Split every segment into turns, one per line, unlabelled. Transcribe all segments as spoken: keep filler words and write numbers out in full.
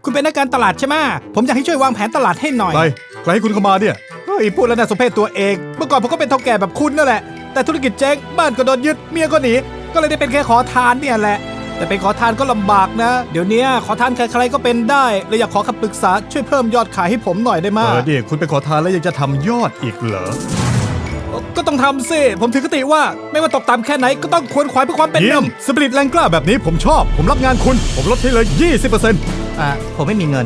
คุณเป็นนักการตลาดใช่ไหมผมอยากให้ช่วยวางแผนตลาดให้หน่อย
ใครใครให้คุณเข้ามาเนี่ย
เฮ้ยพูดแล้วน่าสมเพชตัวเองเมื่อก่อนผมก็เป็นเฒ่าแก่แบบคุณนั่นแหละแต่ธุรกิจเจ๊งบ้านก็โดนยึดเมียก็หนีก็เลยได้เป็นแค่ขอทานเนี่ยแหละแต่เป็นขอทานก็ลำบากนะเดี๋ยวนี้ขอทานใครๆก็เป็นได้เลยอยากขอคำปรึกษาช่วยเพิ่มยอดขายให้ผมหน่อยได้ไหม
เออดิคุณไปขอทานแล้วยังจะทำยอดอีกเหรอ
ก็ต้องทำสิผมถือคติว่าไม่ว่าตกต่ำแค่ไหนก็ต้องควรขวายเพื่อความเป็นห
เยี่ย
นึ่
ม
ง
สปิริตแรงกล้าแบบนี้ผมชอบผมรับงานคุณผมลดให้เลย ยี่สิบเปอร์เซ็นต์
อ่าผมไม่มีเงิน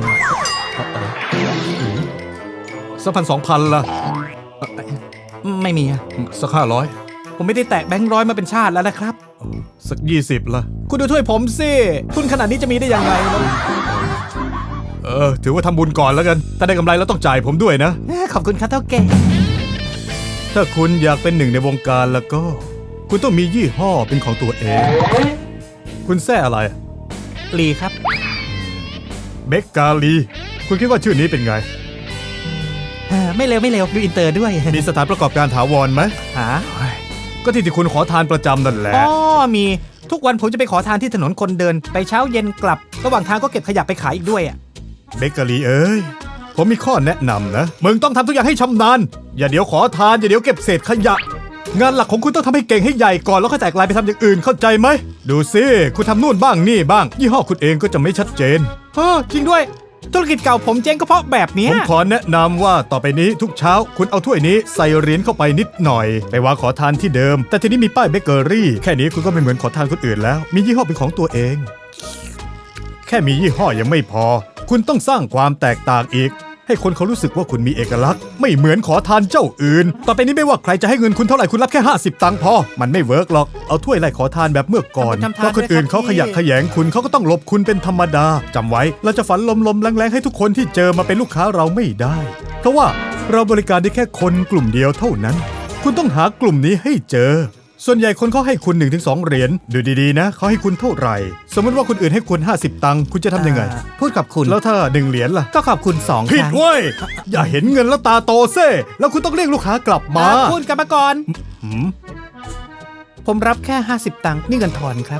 สักพันสองพันละ
ไม่มี
สักห้าร้อย
ผมไม่ได้แตะแบงค์ร้อยมาเป็นชาติแล้วนะครับ
สักยี่สิบละ
คุณดูถ้วยผมสิทุนขนาดนี้จะมีได้ยังไงแล้ว
เออถือว่าทำบุญก่อนแล้วกันถ้าได้กำไรแล้วต้องจ่ายผมด้วยนะ
ขอบคุณครับเท่าแก่
ถ้าคุณอยากเป็นหนึ่งในวงการแล้วก็ คุณต้องมียี่ห้อเป็นของตัวเอง คุณแซ่อะไร
ลีครับ
เบกกาลีคุณคิดว่าชื่อนี้เป็นไง
ไม่เร็วไม่เร็วดูอินเตอร์ด้วย
มีสถานประกอบการถาวรไหม
หา
ก็ที่ที่คุณขอทานประจำนั่นแหละ
อ๋อมีทุกวันผมจะไปขอทานที่ถนนคนเดินไปเช้าเย็นกลับระหว่างทางก็เก็บขยะไปขายอีกด้วยอ่ะ
เบเกอรี่เอ้ยผมมีข้อแนะนำนะมึงต้องทำทุกอย่างให้ชำนาญอย่าเดี๋ยวขอทานอย่าเดี๋ยวเก็บเศษขยะงานหลักของคุณต้องทำให้เก่งให้ใหญ่ก่อนแล้วค่อยแตกลายไปทำอย่างอื่นเข้าใจไหมดูสิคุณทำนู่นบ้างนี่บ้างยี่ห้อคุณเองก็จะไม่ชัดเจน
เออจริงด้วยธุรกิจเก่าผมเจ๊งก็เพราะแบบนี้
ผมขอแนะนำว่าต่อไปนี้ทุกเช้าคุณเอาถ้วยนี้ใส่เหรียญเข้าไปนิดหน่อยไปวางขอทานที่เดิมแต่ทีนี้มีป้ายเบเกอรี่แค่นี้คุณก็ไม่เหมือนขอทานคนอื่นแล้วมียี่ห้อเป็นของตัวเองแค่มียี่ห้อยังไม่พอคุณต้องสร้างความแตกต่างอีกให้คนเขารู้สึกว่าคุณมีเอกลักษณ์ไม่เหมือนขอทานเจ้าอื่นต่อไปนี้ไม่ว่าใครจะให้เงินคุณเท่าไหร่คุณรับแค่ห้าสิบตังค์พอมันไม่เวิร์กหรอกเอาถ้วยไล่ขอทานแบบเมื่อก่อนเพราะคนอื่นเขาขยักขยงคุณเขาก็ต้องหลบคุณเป็นธรรมดาจำไว้เราจะฝันลมๆแรงๆให้ทุกคนที่เจอมาเป็นลูกค้าเราไม่ได้เพราะว่าเราบริการได้แค่คนกลุ่มเดียวเท่านั้นคุณต้องหากลุ่มนี้ให้เจอส่วนใหญ่คนเขาให้คุณ หนึ่งถึงสอง เหรียญดูดีๆนะเขาให้คุณเท่าไหร่สมมติว่าคนอื่นให้คุณห้าสิบตังค์คุณจะทำยังไง
พูดขอบคุณ
แล้วถ้าหนึ่งเหรียญล่ะ
ก็ขอบคุณสอง
ผิดเว้ยอย่าเห็นเงินแล้วตาโตเซ่แล้วคุณต้องเรียกลูกค้ากลับมา
พูดกลับมาก่อน
หืม
ผมรับแค่ห้าสิบตังค์นี่เงินทอนครับ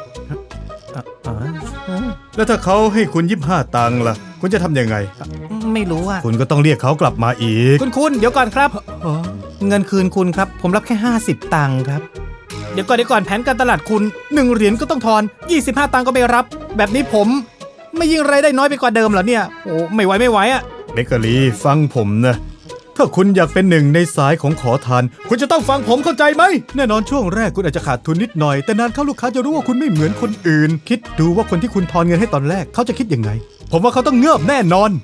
แล้วถ้าเขาให้คุณยี่สิบห้าตังค์ล่ะคุณจะทำยังไง
ไม่รู้อ่ะ
คุณก็ต้องเรียกเขากลับมาอีก
คุณคุณเดี๋ยวก่อนครับเงินคืนคุณครับผมรับแค่ห้าสิบตังค์ครับเดี๋ยวก่อนเดี๋ยวก่อนแผนการตลาดคุณหนึ่งเหรียญก็ต้องทอนยี่สิบห้าตังค์ก็ไม่รับแบบนี้ผมไม่ยิ่งรายได้น้อยไปกว่าเดิมเหรอเนี่ยโอ้ไม่ไหวไม่ไหวอ่ะ
เบเกอรี่ฟังผมนะถ้าคุณอยากเป็นหนึ่งในสายของขอทานคุณจะต้องฟังผมเข้าใจไหมแน่นอนช่วงแรกคุณอาจจะขาดทุนนิดหน่อยแต่นานเข้าลูกค้าจะรู้ว่าคุณไม่เหมือนคนอื่นคิดดูว่าคนที่คุณทอนเงินให้ตอนแรกเขาจะคิดยังไงผมว่าเขาต้องเงือบแน่นอน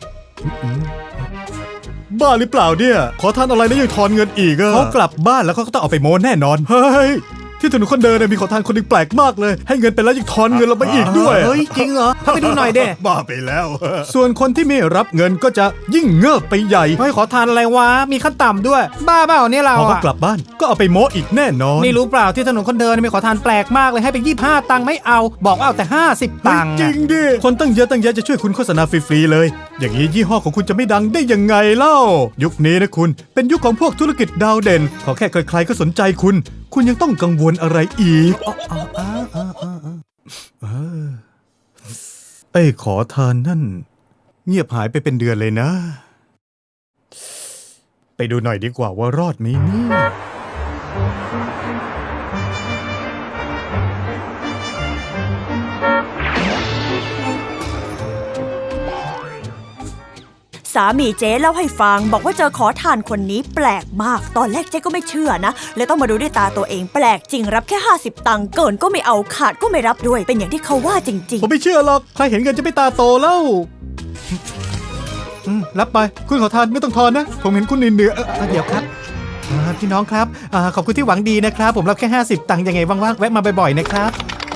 บ้าหรือเปล่าเนี่ยขอทานอะไรแล้วยังทอนเงินอีกอะเขากลับบ้านแล้วเขาก็ต้องเอาไปโม้แน่นอนเฮ้ยที่ถนนคนเดินเนี่ยมีขอทานคนหนึ่งแปลกมากเลยให้เงินไปแล้วยังทอนเงินเราไปอีกด้วย
เฮ้ยจริงเหรอเข้าไปดูหน่อยเด้
บ้าไปแล้วส่วนคนที่ไม่รับเงินก็จะยิ่งเงิบไปใหญ่
เฮ้ยขอทานอะไรวะมีขั้นต่ำด้วยบ้าเปล่าเนี่ยเรา
พอเขากลับบ้านก็เอาไปโม้อีกแน่นอน
นี่รู้เปล่าที่ถนนคนเดินมีขอทานแปลกมากเลยให้ไปยี่สิบห้าตังค์ไม่เอาบอกว่าเอาแต่ห้าสิบตังค์
จริงดิคนตั้งเยอะตั้งแยะจะช่วยคุณโฆษณาฟรีๆเลยอย่างนี้ยี่ห้อของคุณจะไม่ดังได้ยังไงเล่ายุคนี้นะคุณเป็นยุคของพวกธุรกิจดาวเด่นขอแค่ใครๆก็สนใจคุณคุณยังต้องกังวลอะไรอีกไอ้ขอทานนั่นเงียบหายไปเป็นเดือนเลยนะไปดูหน่อยดีกว่าว่ารอดไหมเนี่ย
สามีเจ๊เล่าให้ฟังบอกว่าเจอขอทานคนนี้แปลกมากตอนแรกเจ๊ก็ไม่เชื่อนะเลยต้องมาดูด้วยตาตัวเองแปลกจริงรับแค่ห้าสิบตังค์เกินก็ไม่เอาขาดก็ไม่รับด้วยเป็นอย่างที่เขาว่าจริงๆ
ผมไม่เชื่อหรอกใครเห็นเงินจะไม่ตาโตแล้วรับไปคุณขอทานไม่ต้องทอนนะผมเห็นคุณเหนื่อย
เดี๋ยวครับพี่น้องครับขอบคุณที่หวังดีนะครับผมรับแค่ห้าสิบตังค์ยังไงว่างๆแวะมาบ่อยๆนะครับ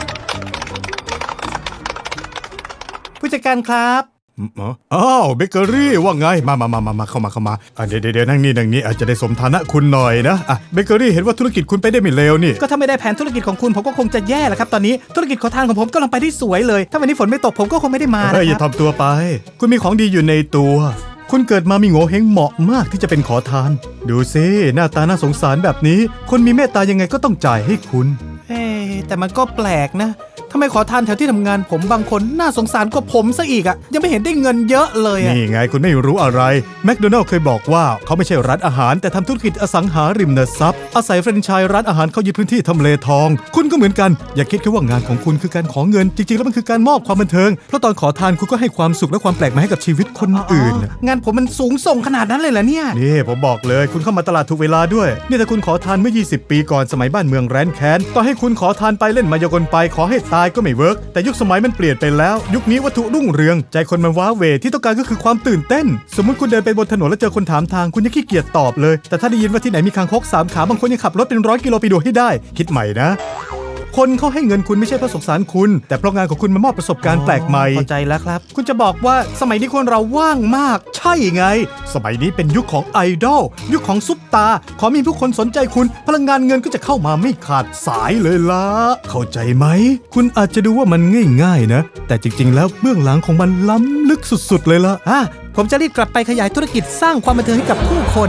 ผู้จัดการครับ
อ้าวเบเกอรี่ว่าไงมามามามามาเข้ามาเข้ามาเดี๋ยวเดี๋ยวนั่งนี่นั่งนี่อาจจะได้สมฐานะคุณหน่อยนะอ่ะเบเกอรี่เห็นว่าธุรกิจคุณไปได้ไม่เลวนี่
ก็ถ้าไม่ได้แผนธุรกิจของคุณผมก็คงจะแย่แหละครับตอนนี้ธุรกิจขอทานของผมกำลังไปได้สวยเลยถ้าวันนี้ฝนไม่ตกผมก็คงไม่ได้มานะครับ
อย่าทำตัวไปคุณมีของดีอยู่ในตัวคุณเกิดมามีโง่เฮงเหมาะมากที่จะเป็นขอทานดูซิหน้าตาน่าสงสารแบบนี้คนมีเมตตายังไงก็ต้องจ่ายให้คุณ
เอ๊แต่มันก็แปลกนะททำไมขอทานแถวที่ทำงานผมบางคนน่าสงสารกว่าผมซะอีกอะยังไม่เห็นได้เงินเยอะเลยอะ
นี่ไงคุณไม่รู้อะไรแมคโดนัลด์เคยบอกว่าเขาไม่ใช่ร้านอาหารแต่ทำธุรกิจอสังหาริมทรัพย์อาศัยแฟรนไชส์ร้านอาหารเข้ายึดพื้นที่ทำเลทอง คุณก็เหมือนกันอย่าคิดแค่ว่างานของคุณคือการขอเงินจริงๆแล้วมันคือการมอบความบันเทิงเพราะตอนขอทานคุณก็ให้ความสุขและความแปลกใหม่ให้กับชีวิตคนอื่น
งานผมมันสูงส่งขนาดนั้นเลยเหรอเนี่ย
นี่ผมบอกเลยคุณเข้ามาตลาดถูกเวลาด้วยนี่ถ้าคุณขอทานเมื่อยี่สิบปีก่อนสมัยบ้านเมืองแร้นแค้นต่อให้คุณขอทานไปเล่นมายากลไปขอให้ตายก็ไม่เวิร์กแต่ยุคสมัยมันเปลี่ยนไปแล้ว ยุคนี้วัตถุรุ่งเรืองใจคนมันว้าเหวที่ต้องการก็คือความตื่นเต้น สมมติคุณเดินไปบนถนนแล้วเจอคนถามทางคุณยังขี้เกียจตอบเลยแต่ถ้าได้ยินว่าที่ไหนมีคางคกสามขาบางคนยังขับรถเป็นร้อยกิโลไปดูให้ได้คิดใหม่นะคนเขาให้เงินคุณไม่ใช่เพราะสงสารคุณแต่เพราะงานของคุณมามอบประสบการณ์แปลกใหม่
เข้าใจแล้วครับ คุณจะบอกว่าสมัยนี้คนเราว่างมาก
ใช่ไง สมัยนี้เป็นยุคของไอดอลยุคของซุปตา ขอมีผู้คนสนใจคุณ พลังงานเงินก็จะเข้ามาไม่ขาดสายเลยล่ะ เข้าใจไหม คุณอาจจะดูว่ามันง่ายๆนะ แต่จริงๆแล้วเบื้องหลังของมันล้ำลึกสุดๆเลยล่ะ
อ่ะผมจะรีบกลับไปขยายธุรกิจสร้างความบันเทิงให้กับผู้คน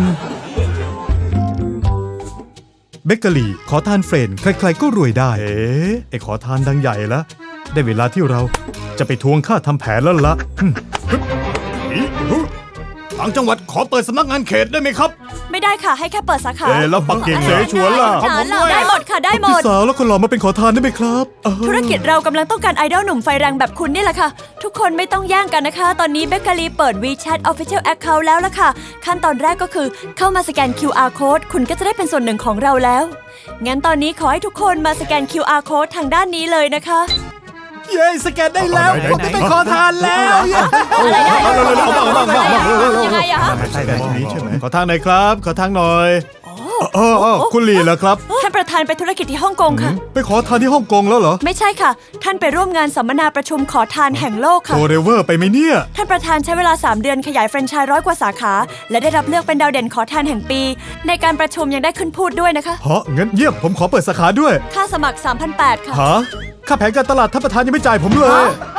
เบเกอรี่ขอทานเฟรนด์ใครๆก็รวยได้ เอ๊ะไอขอทานดังใหญ่ละได้เวลาที่เราจะไปทวงค่าทำแผนแล้วละอืมฮึบอีฮึทางจังหวัดขอเปิดสำนักงานเขตได้ไหมครับ
ไม่ได้ค่ะให้แค่เปิดสาขา
เอ๊ะแล้วปักกิ่งเสฉวนล่ะ
ได้ได้หมดค่ะได้หม
พี่
ด
สาวแล้วคนหล่อมาเป็นขอทานได้ไหมครับเออ
ธุรกิจเรากำลังต้องการไอดอลหนุ่มไฟแรงแบบคุณนี่แหละค่ะ ทุกคนไม่ต้องแย่งกันนะคะ ตอนนี้เบเกอรี่เปิด WeChat Official Account แล้วล่ะค่ะ ขั้นตอนแรกก็คือเข้ามาสแกน คิว อาร์ Code คุณก็จะได้เป็นส่วนหนึ่งของเราแล้ว งั้นตอนนี้ขอให้ทุกคนมาสแกน คิว อาร์ Code ทางด้านนี้เลยนะคะ
เย้สแกนได้แล้ว
ไหนๆ
ผมจะเป็นขอทานแล้วเย้
อะไรได้
เอาเร็วๆเอาบ้างเอาบ้างเอาบ้างเอาบ้าง
ยังไงอะคะ
ใช่แบบนี้ใช่ไหมขอทางหน่อยครับ ขอทางหน่อยเออเออคุณหลี่เหรอครับ
ท่านประธานไปธุรกิจที่ฮ่องกงค่ะ
ไปขอทานที่ฮ่องกงแล้วเหรอ
ไม่ใช่ค่ะ ท่านไปร่วมงานสัมมนาประชุมขอทานแห่งโลกค่ะ
โตเรเวอร์ไปไหมเนี่ย
ท่านประธานใช้เวลา สาม เดือนขยายแฟรนไชส์ร้อยกว่าสาขา และได้รับเลือกเป็นดาวเด่นขอทานแห่งปี ในการประชุมยังได้ขึ้นพูดด้วยนะคะ
ฮะงั้นเยี่ยมผมขอเปิดสาขาด้วย
ค่าสมัคร สามพันแปดร้อย ค่ะ
ฮะค่าแผนการตลาดท่านประธานยังไม่จ่ายผมเลย
ฮะ